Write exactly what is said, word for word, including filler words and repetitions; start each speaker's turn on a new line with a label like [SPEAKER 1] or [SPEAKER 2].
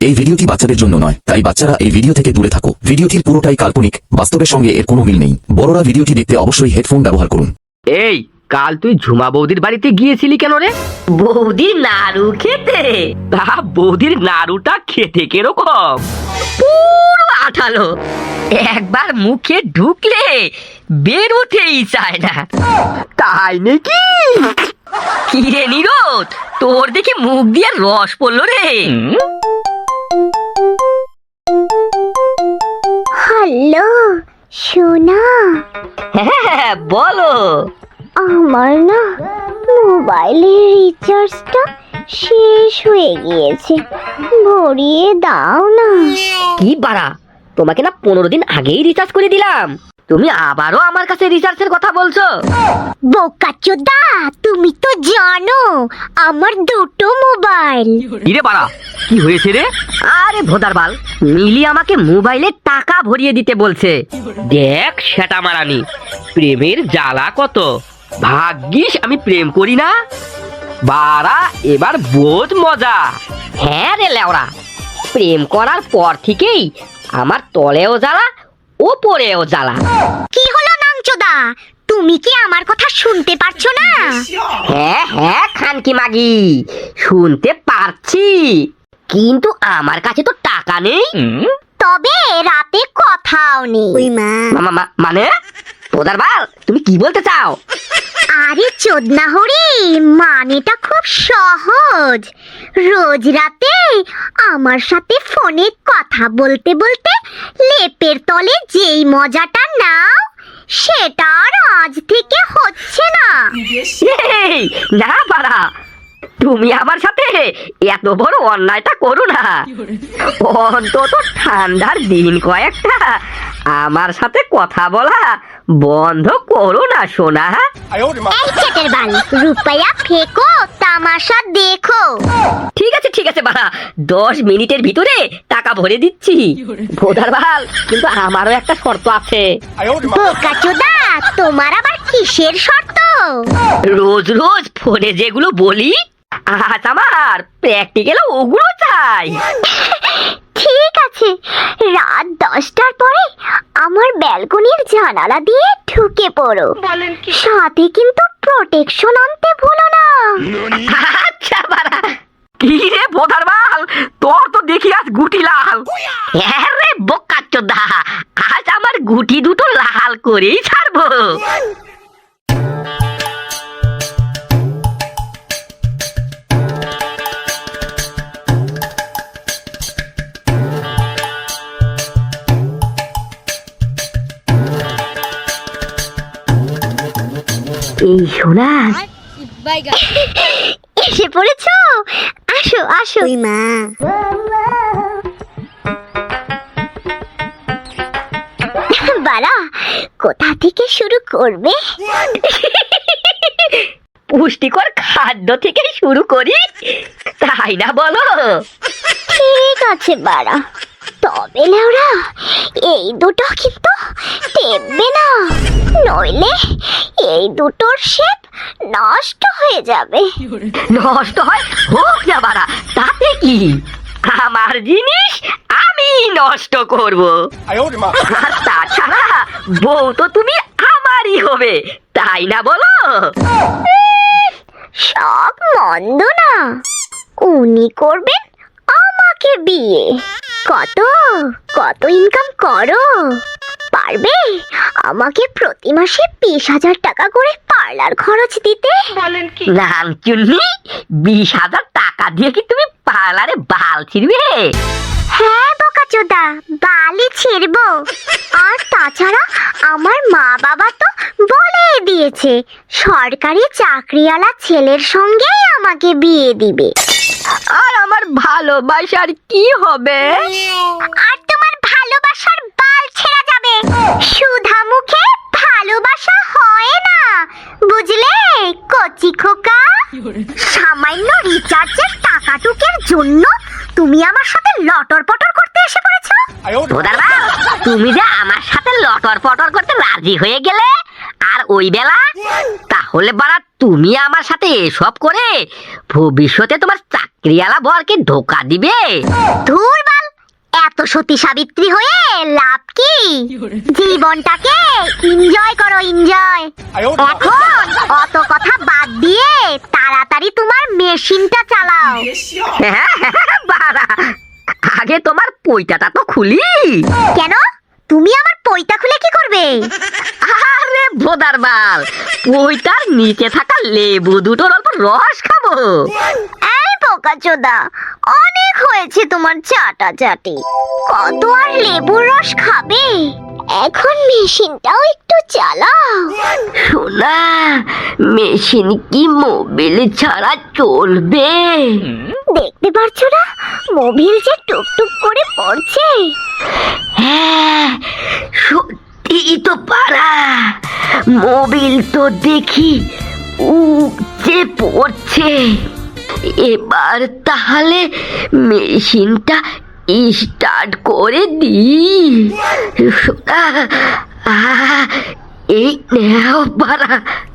[SPEAKER 1] এই ভিডিওটি বাচ্চাদের জন্য নয়, তাই বাচ্চারা এই ভিডিও থেকে দূরে থাকো। ভিডিওটির পুরোটাই কাল্পনিক, বাস্তবের সঙ্গে এর কোনো মিল নেই। বড়রা ভিডিওটি দেখতে অবশ্যই হেডফোন ব্যবহার করুন।
[SPEAKER 2] এই কাল তুই ঝুমা বৌদির বাড়িতে গিয়েছিলি কেন রে? বৌদির নাড়ু খেতে? তা বৌদির নাড়ুটা খেতে কিরকম? পুরো আঠালো, একবার মুখে ঢুকলে বেরোতেই চায় না। তাই নাকি? কিরে নিরোদ, তোর দেখি মুখ দিয়ে রস পড়লো রে।
[SPEAKER 3] হ্যালো সোনা,
[SPEAKER 2] হ্যাঁ বলো।
[SPEAKER 3] আমার না মোবাইলের রিচার্জটা শেষ হয়ে গিয়েছে, ভরিয়ে দাও না।
[SPEAKER 2] কি বাড়া, তোমাকে না পনেরো দিন আগেই রিচার্জ করে দিলাম, তুমি আবারও আমার কাছে রিচার্জের কথা বলছো?
[SPEAKER 3] বোকাচোদা, তুমি তো জানো আমার দুটো মোবাইল।
[SPEAKER 2] ইরে বাড়া, কি হয়েছে রে? আরে ভোদার বাল, মিলি আমাকে মোবাইলে টাকা ভরিয়ে দিতে বলছে। দেখ সেটা মারানি, প্রেমের জ্বালা কত। ভাগ্যিস আমি প্রেম করি না। বাড়া এবার বোঝ মজা। হ্যাঁ রে লেওড়া, প্রেম করার পর থেকেই আমার তলেও জ্বালা ওপরেও জ্বালা।
[SPEAKER 3] কি হলো নাংচোদা, তুমি কি আমার কথা শুনতে পারছো না?
[SPEAKER 2] হ্যাঁ হ্যাঁ খানকি মাগি, শুনতে পারছি, কিন্তু আমার কাছে তো টাকা নেই।
[SPEAKER 3] তবে রাতে কথাও নেই।
[SPEAKER 2] মা- মা- মানে তোদার বাল, তুমি কি বলতে চাও?
[SPEAKER 3] আরে চোদনা হরি, মানেটা খুব সহজ। রোজ রাতে আমার সাথে ফোনে কথা বলতে বলতে লেপের তলে যেই মজাটা নাও, সেটা আর আজ থেকে হচ্ছে না।
[SPEAKER 2] এই, না বাড়া, তুমি আমার সাথে এত বড় অন্যায়টা করো না। অন্তত ঠান্ডার দিন কয়েকটা আমার সাথে কথা বলা বন্ধ করো না সোনা।
[SPEAKER 3] এই চেটের বাল, রুপাইয়া ফেকো, তামাশা দেখো।
[SPEAKER 2] ঠিক আছে ঠিক আছে বাড়া, দশ মিনিটের ভিতরে টাকা ভরে দিচ্ছি। ভোদার বাল, কিন্তু আমারও একটা শর্ত আছে।
[SPEAKER 3] বোকাচোদা, তোমার আবার কিসের শর্ত?
[SPEAKER 2] রোজ রোজ ফোনে যেগুলো বলি, আজ আমার প্র্যাকটিক্যাল ওগুলো চাই।
[SPEAKER 3] ঠিক আছে, রাত দশটার পরে আমার ব্যালকনির জানালা দিয়ে ঢুকে পড়ো। সাথে কিন্তু প্রোটেকশন আনতে ভুলো না।
[SPEAKER 2] আচ্ছা বাড়া। কি রে ভোদার বাল, তোর তো দেখি আজ গুটি লাল। হ্যাঁ রে বোকাচোদা, আজ আমার গুটি দুটো লাল করেই ছাড়বো। এই সোনা,
[SPEAKER 3] এসে পড়েছো, আসো আসো। বাড়া, কোথা থেকে শুরু করবে?
[SPEAKER 2] পুষ্টিকর খাদ্য থেকে শুরু করি, তাই না বলো?
[SPEAKER 3] ঠিক আছে বাড়া, তবে লেওরা এই দুটো কিন্তু টেপবে না, নইলে এই দুটোর শেপ নষ্ট হয়ে যাবে।
[SPEAKER 2] নষ্ট হয় হোক না বাড়া, তাতে কি? আমার জিনিস আমি নষ্ট করব। আর তাছাড়া বউ তো তুমি আমারই হবে, তাই না বলো?
[SPEAKER 3] সব মন্দ না, উনি করবেন আমাকে বিয়ে। কত কত ইনকাম করো? পারবে আমাকে প্রতি মাসে বিশ হাজার টাকা করে পার্লার খরচ দিতে?
[SPEAKER 2] নাংচুন্নি, বিশ হাজার টাকা দিয়ে কি তুমি পার্লারে বাল ছিড়বে?
[SPEAKER 3] হ্যাঁ বোকাচোদা, বালি ছিড়বো। আর তাছাড়া আমার মা বাবা তো বলে দিয়েছে সরকারি চাকরিওয়ালা ছেলের সঙ্গেই আমাকে বিয়ে দিবে।
[SPEAKER 2] আর আমার ভালোবাসার কি হবে?
[SPEAKER 3] আর তোমার ভালোবাসার বাল ছেঁড়া যাবে। সুধা মুখে ভালোবাসা হয় না, বুঝলে কচি খোকা? সামান্য রিচার্জের টাকাটুকের জন্য তুমি আমার সাথে লটর পটর করতে এসে পড়েছো।
[SPEAKER 2] ভোদার বাল, তুমি যে আমার সাথে লটর পটর করতে রাজি হয়ে গেলে, আর ওই বেলা তাহলে বাড়া তুমি আমার সাথে এসব করে ভবিষ্যতে তোমার চাকরিওয়ালা বরকে ধোকা দিবে?
[SPEAKER 3] ধুর বাল, এত সতী সাবিত্রী হয়ে লাভ কি? জীবনটাকে এনজয় করো, এনজয়। এখন অত কথা বাদ দিয়ে তাড়াতাড়ি তোমার মেশিনটা চালাও।
[SPEAKER 2] বাড়া আগে তোমার পইটাটা তো খুলি।
[SPEAKER 3] কেন? তুমি আমার পইতা খুলে কি করবে?
[SPEAKER 2] আরে ভোদার বাল, পইটার নিচে থাকা লেবু দুটোর অল্প রস খাবো।
[SPEAKER 3] এই বোকাচোদা, অনেক হয়েছে তোমার চাটাচাটি। কত আর লেবুর রস খাবে? এখন মেশিনটাও একটু চালাও।
[SPEAKER 2] শোনা, মেশিন কি মোবিল ছাড়া চলবে?
[SPEAKER 3] দেখতে পারছো না মোবিল যে টুকটুক করে পড়ছে?
[SPEAKER 2] হ্যাঁ সত্যি তো পারা, মোবিল তো দেখি উপচে পড়ছে। এবার তাহলে মেশিনটা স্টার্ট করে দিই। শোনা, আহ, এই নেও পারা।